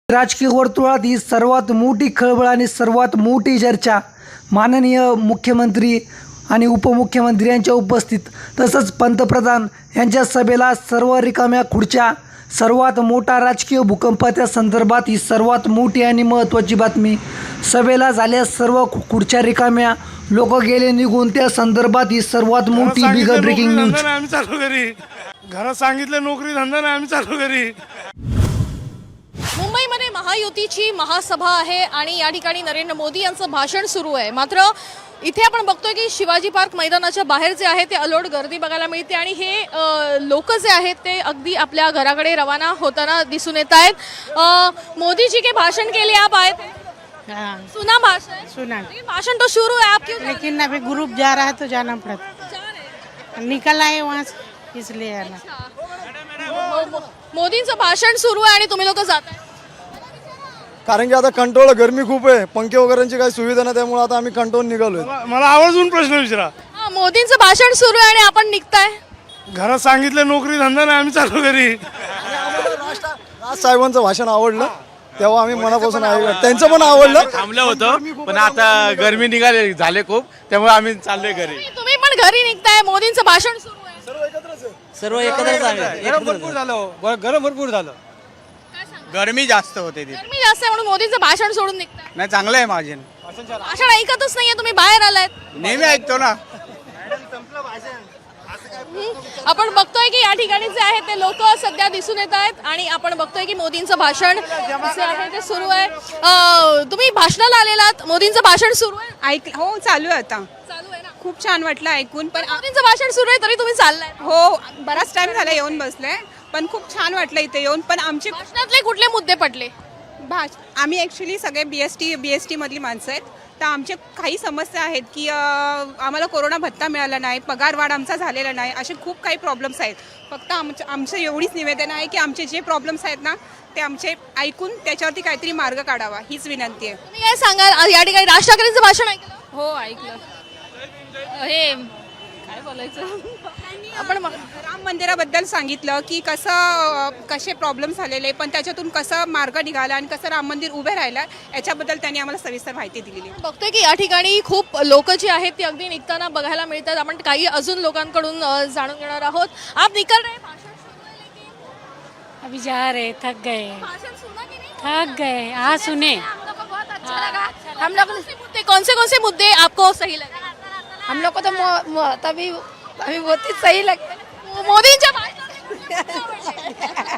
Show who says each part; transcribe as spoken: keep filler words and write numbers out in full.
Speaker 1: राजकीय वर्तुळात ही सर्वात मोठी खळबळ आणि सर्वात मोठी चर्चा माननीय मुख्यमंत्री आणि उपमुख्यमंत्री यांच्या उपस्थित तसंच पंतप्रधान यांच्या सभेला सर्व रिकाम्या खुर्च्या सर्वात मोठा राजकीय भूकंप त्या संदर्भात ही सर्वात मोठी आणि महत्त्वाची बातमी। सभेला झाल्या सर्व खुर्च्या रिकाम्या, लोक गेले निघून, त्या संदर्भात ही सर्वात मोठी बिग ब्रेकिंग न्यूज।
Speaker 2: आम्ही चालू घरी घरात सांगितलं नोकरी धंदा नाही, आम्ही चालू घरी।
Speaker 3: मुंबईमध्ये महायुतीची महासभा आहे आणि या ठिकाणी नरेंद्र मोदी यांचं भाषण सुरू आहे। मात्र इथे आपण बघतोय की शिवाजी पार्क मैदानाच्या बाहेर जे आहे ते अलोट गर्दी बघायला मिळते आणि हे लोक जे आहेत ते अगदी आपल्या घराकडे रवाना होताना दिसून येत आहेत। मोदी जी के भाषण के लिए आप आए थे?
Speaker 4: हाँ,
Speaker 3: सुना भाषण?
Speaker 4: सुना।
Speaker 3: लेकिन भाषण तो शुरू है, आप क्यों
Speaker 4: लेकिन अभी ग्रुप जा रहा है तो जाना पड़ता,
Speaker 3: जा रहे हैं?
Speaker 4: निकल आए वहाँ से इसलिए आना।
Speaker 3: मो- मोदींचं भाषण सुरू आहे आणि तुम्ही लोक जात आहे?
Speaker 5: कारण की आता कंट्रोल गरमी खूप आहे, पंखे वगैरेची काही सुविधा नाही, त्यामुळे आता आम्ही कंट्रोल निघालोय।
Speaker 2: मला- मला आवर्जून प्रश्न विचारा।
Speaker 3: हा, मोदींचं भाषण सुरू आहे आणि आपण निघताय?
Speaker 2: घरात सांगितलं नोकरी धंदा नाही, आम्ही चालू घरी।
Speaker 5: राज साहेबांचं भाषण आवडलं, तेव्हा आम्ही मनापासून ऐकलं, त्यांचं पण आवडलं।
Speaker 6: थांबलं होतं पण आता गरमी निघाले झाले खूप, त्यामुळे आम्ही चाललोय घरी।
Speaker 3: तुम्ही पण घरी निघताय, मोदींचं भाषण सुरू आहे।
Speaker 7: सर्व एकत्रच आहे।
Speaker 6: गरम भरपूर झालं गरम भरपूर झालं गरमी जास्त होते तिथे।
Speaker 3: गरमी जास्त आहे म्हणून मोदींचं भाषण सोडून निघताय?
Speaker 6: नाही, चांगलं आहे माझे,
Speaker 3: भाषण ऐकतच नाहीये, तुम्ही बाहेर आलायत।
Speaker 6: नेहमी ऐकतो ना।
Speaker 3: आपण बघतोय की या ठिकाणी जे आहे ते लोक सध्या दिसून येत आहेत आणि आपण बघतोय की मोदींचं भाषण जे आहे ते सुरू आहे। अं, तुम्ही भाषणाला आलेलात, मोदींचं भाषण सुरू आहे?
Speaker 8: ऐक हो चालू आहे आता,
Speaker 3: चालू आहे ना?
Speaker 8: खूप छान वाटलं ऐकून। पण आ-
Speaker 3: मोदींचं भाषण सुरू आहे तरी तुम्ही चाललाय?
Speaker 8: हो, बराच टाइम झाला येऊन बसले, पण खूप छान वाटलं इथे येऊन। पण आमची
Speaker 3: भाषणातले कुठले मुद्दे पडले?
Speaker 8: भाष आम्ही ॲक्च्युली सगळे B S T B S T मधली माणसं आहेत, तर आमचे काही समस्या आहेत की अं, आम्हाला कोरोना भत्ता मिळाला नाही, पगार वाढ आमचा झालेला नाही, असे खूप काही प्रॉब्लेम्स आहेत। फक्त आमचं आमचं एवढीच निवेदन आहे की आमचे जे प्रॉब्लेम्स आहेत ना ते आमचे ऐकून त्याच्यावरती काहीतरी मार्ग काढावा, हीच विनंती आहे।
Speaker 3: तुम्ही काय सांगाल? या ठिकाणी राज ठाकरेंचं भाषण ऐकलं?
Speaker 8: हो ऐकलं।
Speaker 3: हे काय बोलायचं आपण
Speaker 8: राम मंदिराबद्दल सांगितलं की कसं कसे प्रॉब्लेम झालेले, पण त्याच्यातून कसं मार्ग निघाला आणि कसं राम मंदिर उभे राहिलं याच्याबद्दल त्यांनी आम्हाला सविस्तर माहिती दिलेली आहे।
Speaker 3: बघतोय की या ठिकाणी खूप लोक जी आहेत ती अगदी निघताना बघायला मिळतात। आपण काही अजून लोकांकडून अ, जाणून घेणार आहोत। आप निकल रहे, भाषण सुरू है लेकिन
Speaker 4: अभी जा रहे, थक गए
Speaker 3: भाषण सुना कि नहीं?
Speaker 4: थक गए। हाँ सुने,
Speaker 3: हम लोग को बहुत अच्छा लगा। हम लोग मुद्दे कौन से कौन से मुद्दे आपको सही लगे?
Speaker 9: हम लोग को तो मो, मो, तभी अभी बहुत ही सही लगता है।
Speaker 3: मोदींच्या भाषणात